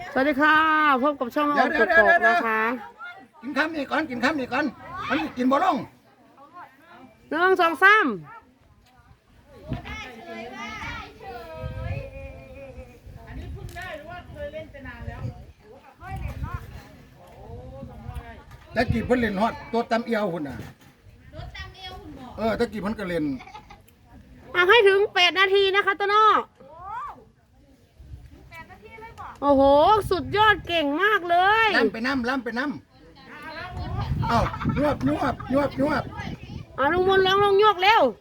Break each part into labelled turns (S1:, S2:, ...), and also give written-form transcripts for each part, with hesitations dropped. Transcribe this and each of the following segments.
S1: สวัสดีค่ะพบกับช่องออนกกอกนะคะ
S2: กินข้ามนี่ก่อนกินข้ามนี่ก่อนมันกินบ่ลง
S1: 1 2 3
S2: ตะกี้เพิ่นเล่นฮอดตัวตำเอียวหุ่นน่ะตะกี้เพิ่นก็เล่น
S1: เอาให้ถึง8 นาทีนะคะต้นอ้อโอ้โหสุดยอดเก่งมากเลย
S2: ล้ำไปน้ำเอ้ายวบ
S1: ลุงมนต์ร้องลงโยกเร็ว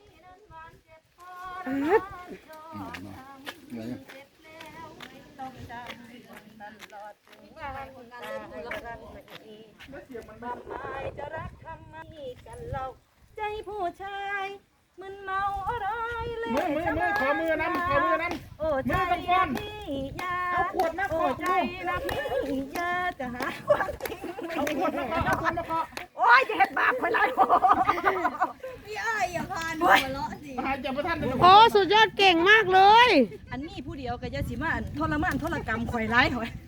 S3: ใจผู้ชายมึนเมาอะไรเลย
S4: มือขอมือน้ำโอ้ใจนะพี่ยาเอาขวดมาขอใจนะพี่ยาจะหาความจริงไม่เอาขวดมาขอโอ้ยจะเห็ดบาปไปเลยพี่อ้ายอย่าพานหัวเราะสิ
S1: โอ้สุดยอดเก่งมากเลย
S3: อันนี้ผู้เดียวก็จะสิมาทรมานทรกรรมข่อยร้ายหอย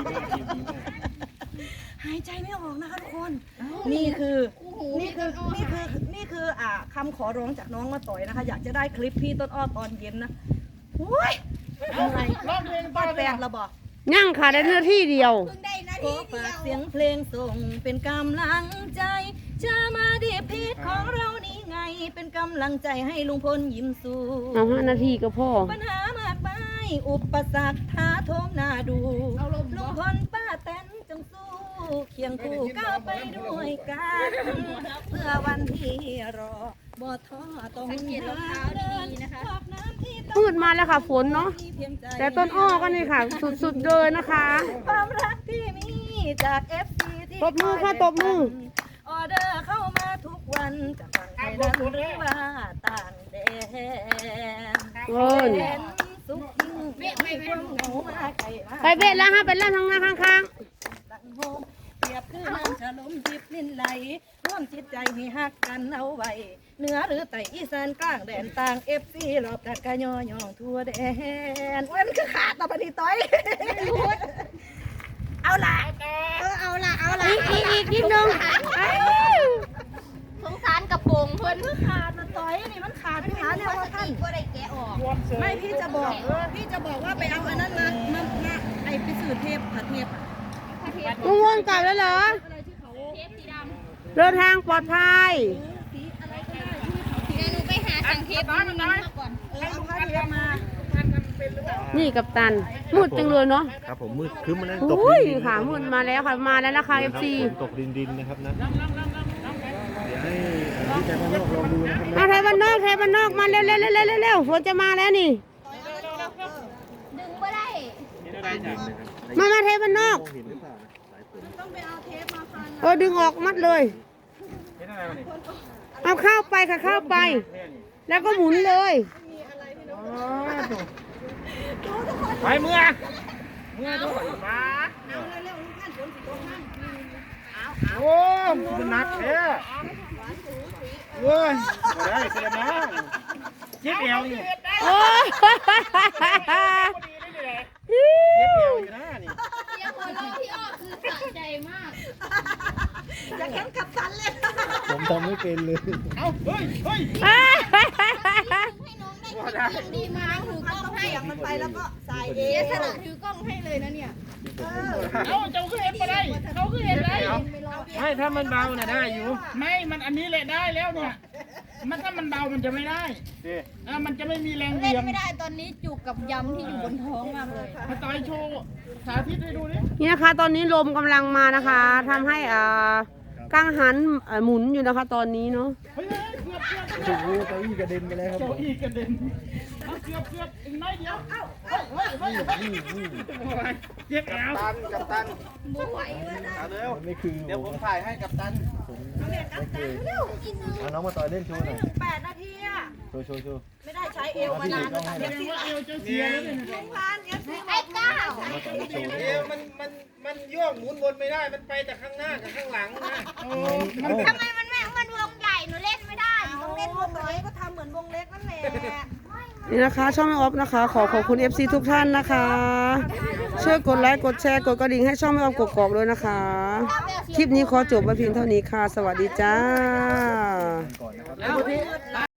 S3: หายใจไม่ออกนะคะทุกคนนี่คือคำขอร้องจากน้องมาต่อยนะคะอยากจะได้คลิปพี่ต้นอ้อตอนเย็นนะโอ้ยอะไรร้องเพลงตอนแปดระบอก
S1: ยั่งค่ะได้เนื้อที่เดียว
S3: ขอฝากเสียงเพลงส่งเป็นกำลังใจจะมาดีพีทของเรานี่ไงเป็นกำลังใจให้ลุงพลยิ้มสู้
S1: เอา5 นาทีก็พอ
S3: ปัญหามากมายอุปสรรคท้าโถมหน้าดูลุงพลป้าแตนจงสู้เคียงคู่ก้าวไปด้วยกันเพื่อวันที่รอบ่ท้อต้องเดินนะคะ
S1: มืดมาแล้วค่ะฝนเนาะแต่ต้นอ้อก็นี่ค่ะสุดๆเลยนะคะ
S3: ความรักที่มีจาก FC ที่
S1: ตบมือค่ะตบมือ
S3: ออเดอร์เข้ามาทุกวันจากฝั่งไทยนั้นหรือว่าต่างแดนสุขยิ่งไม่ความเหงามาไกลมา
S1: ไปเบ็ดแล้วฮะเป็นแล้วทางหน้าข้าง
S3: เปรียบคือน้ำฉลมจิบลิ้นไหลร่วมจิตใจให้ฮักกันเอาไว้เหนือหรือใต้อีสานกลางแดนต่างFCรอบกัดกะย่อย่องทั่วแดนมันคือขาดต่อปฏิต้อยเอาละ
S1: อีกนิดนึง
S5: สงสารกระโปรงเพิ่น
S3: ขาดมันต่อยนี่มันขาดพี่หาเนี่ยว่าท่าน
S5: ก็ได้แกะออก
S3: ไม่พี่จะบอกว่าไปเอาอันนั้นมาไอไปสื่อเทปผัดเทป
S1: ลุงวนกลับแล้วเหรอเดินทางปลอดภัย
S5: เดี๋ยวหนูไปหาสั่งเทปมาก่อน
S3: เอาผ้าเทปมา
S1: นี่กับตันมืดจังเลยเนาะ
S4: ครับผมมืดคืมมาแล้ว
S1: ตกดินค่ะมืดมาแล้วค่ะมาแล้วนะคะ FC
S4: ตกดินนะครับนะเดี๋ยวให้พี่แทนบ้านนอกลองดูนะครับ
S1: ไทยบ้านนอกมาเร็วฝนจะมาแล้วนี่
S5: ดึงไม่ได้
S1: มาไทยบ้านนอก
S3: ต้องไปเอาเทปมาพัน
S1: ดึงออกมัดเลยเอาเข้าไปค่ะเข้าไปแล้วก็หมุนเลย
S4: ไปเมื่อด้วยมา
S3: เอาเร็วๆท่านฝนสิตกท่าน
S4: โอ้มันหนักแท้โอ้ยไม่ได้เสียนะเจ็บเอวอยู่
S1: โอ้
S4: เจ็บเอวอยู่นะนี่
S5: เสียงหัวเราะที่ออกคือสะใจมาก
S3: จะแข่งกับตันเลย
S4: ผมทำไม่เป็นเลยเอาเฮ้ย
S5: ให้น้องได้คิดดีมากถือกล้องให้
S3: มันไปแล้วก็สายเอ
S5: เสียสละถือกล้องให้เลยนะเนี่ย
S4: เอาเจ้าคือเห็นไปได้เขาคือเห็นได้ไม่ถ้ามันเบาน่ะได้อยู่ไม่มันอันนี้แหละได้แล้วเนี่ยมันถ้ามันเบามันจะไม่ได้มันจะไม่มีแรงเบี่ยง
S5: ไม่ได้ตอนนี้จุกกับยำที่อยู่บนท้องมากเลย
S4: มาต่อยโชว์สาธิตให้ดูนี่
S1: นี่นะคะตอนนี้ลมกำลังมานะคะทำให้กังหันหมุนอยู่นะคะตอนนี้เนาะ
S4: โอ้โหเก้าอี้กระเด็นไปแล้วครับเก้าอี้กระเด็นเกือบอีกน้อยเดียวเจ็บแอวกัปตัน
S5: ไม่ไหว
S4: เร็วไม่คือเดี๋ยวผมถ่ายให้กัปตันเอาน้องมาต่อยเล่นโชว์หน่อย
S3: 8 นาทีอะ
S4: โชว์
S3: ไม่ได้ใช้เอวมานานแล้ว
S4: เอวจะเสียแล้วเนี่ย
S5: ไอ้ก้าว
S4: เอวมันโยกหมุนวนไม่ได้มันไปแต่ข้างหน้ากับข้างหลังนะ
S5: ทำไมมันวงใหญ่หนูเล่นไม่ได้
S3: ต้องเล่นวงเล็กก็ทำเหมือนวงเล็กนั่นแหละ
S1: นี่นะคะช่องแม่ออฟนะคะขอบคุณ FC ทุกท่านนะคะช่วยกดไลค์กดแชร์กดกระดิ่งให้ช่องแม่ออมกกอกด้วยนะคะ คลิปนี้ขอจบไว้เพียงเท่านี้ค่ะ สวัสดีจ้า